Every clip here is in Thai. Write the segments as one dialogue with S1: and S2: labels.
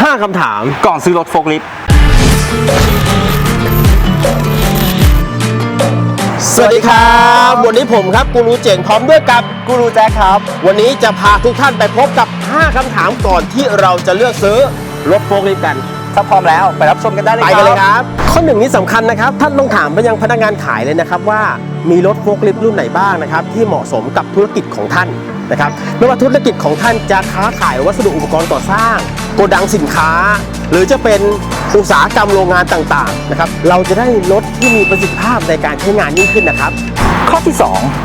S1: 5 คำถาม
S2: ก่อนซื้อรถโฟล์คลิฟต์
S1: สวัสดีครับวันนี้ผมครับกูรูเจ๋งพร้อมด้วยกับกูรูแจ็คครับวันนี้จะพาทุกท่านไปพบกับ 5 คำถามก่อนที่เราจะเลือกซื้อรถโฟล์คลิฟต์กัน
S2: ถ้าพร้อมแล้วไปรับชมกันได้เลยครับ
S1: ไปกันเลยครับข้อหนึ่งนี้สำคัญนะครับท่านต้องถามไปยังพนักงานขายเลยนะครับว่ามีรถโฟล์คลิฟต์รุ่นไหนบ้างนะครับที่เหมาะสมกับธุรกิจของท่านนะครับไม่ว่าธุรกิจของท่านจะค้าขายวัสดุอุปกรณ์ก่อสร้างโกดังสินค้าหรือจะเป็นอุตสาหกรรมโรงงานต่างๆนะครับเราจะได้รถที่มีประสิทธิภาพในการใช้งานยิ่งขึ้นนะครับ
S2: ข้อที่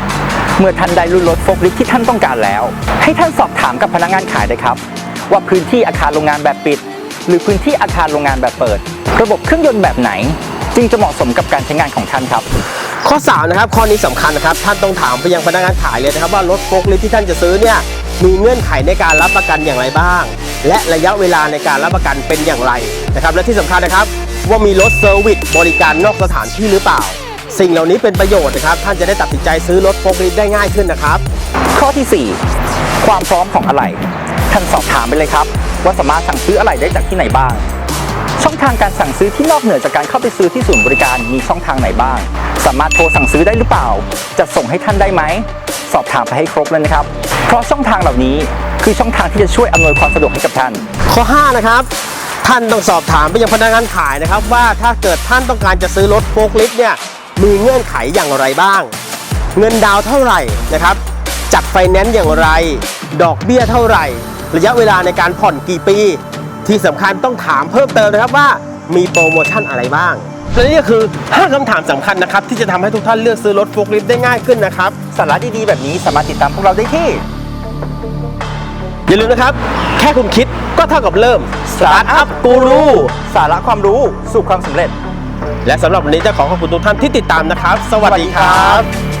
S2: 2 เมื่อท่านได้รุ่นรถโฟล์คลิฟต์ที่ท่านต้องการแล้วให้ท่านสอบถามกับพนักงานขายเลยครับว่าพื้นที่อาคารโรงงานแบบปิดหรือพื้นที่อาคารโรงงานแบบเปิดระบบเครื่องยนต์แบบไหนจึงจะเหมาะสมกับการใช้งานของท่านครับ
S1: ข้อ 3 นะครับข้อนี้สำคัญนะครับท่านต้องถามไปยังพนักงานขายเลยนะครับว่ารถโฟล์คลิฟต์ที่ท่านจะซื้อเนี่ยมีเงื่อนไขในการรับประกันอย่างไรบ้างและระยะเวลาในการรับประกันเป็นอย่างไรนะครับและที่สำคัญนะครับว่ามีรถเซอร์วิสบริการนอกสถานที่หรือเปล่าสิ่งเหล่านี้เป็นประโยชน์นะครับท่านจะได้ตัดสินใจซื้อรถโฟล์คลิฟต์ได้ง่ายขึ้นนะครับ
S2: ข้อที่ 4 ความพร้อมของอะไหล่ท่านสอบถามไปเลยครับว่าสามารถสั่งซื้ออะไหล่ได้จากที่ไหนบ้างช่องทางการสั่งซื้อที่นอกเหนือจากการเข้าไปซื้อที่ศูนย์บริการมีช่องทางไหนบ้างสามารถโทรสั่งซื้อได้หรือเปล่าจะส่งให้ท่านได้ไหมสอบถามไปให้ครบเลยนะครับเพราะช่องทางเหล่านี้คือช่องทางที่จะช่วยอำนวยความสะดวกให้กับท่าน
S1: ข้อ 5 นะครับท่านต้องสอบถามไปยังพนักงานขายนะครับว่าถ้าเกิดท่านต้องการจะซื้อรถโฟล์คลิฟต์เนี่ยมีเงื่อนไขอย่างไรบ้างเงินดาวน์เท่าไหร่นะครับจัดไฟแนนซ์อย่างไรดอกเบี้ยเท่าไหร่ระยะเวลาในการผ่อนกี่ปีที่สำคัญต้องถามเพิ่มเติมนะครับว่ามีโปรโมชั่นอะไรบ้างและนี่ก็คือ 5 คำถามสำคัญนะครับที่จะทำให้ทุกท่านเลือกซื้อรถโฟล์คลิฟต์ได้ง่ายขึ้นนะครับ
S2: สาระดีๆแบบนี้สามารถติดตามพวกเราได้ที่
S1: อย่าลืมนะครับแค่คุณคิดก็เท่ากับเริ่ม Startup Guru
S2: สาระความรู้สู่ความสำเร็จ
S1: และสำหรับวันนี้จะขอขอบคุณทุกท่านที่ติดตามนะครับสวัสดีครับ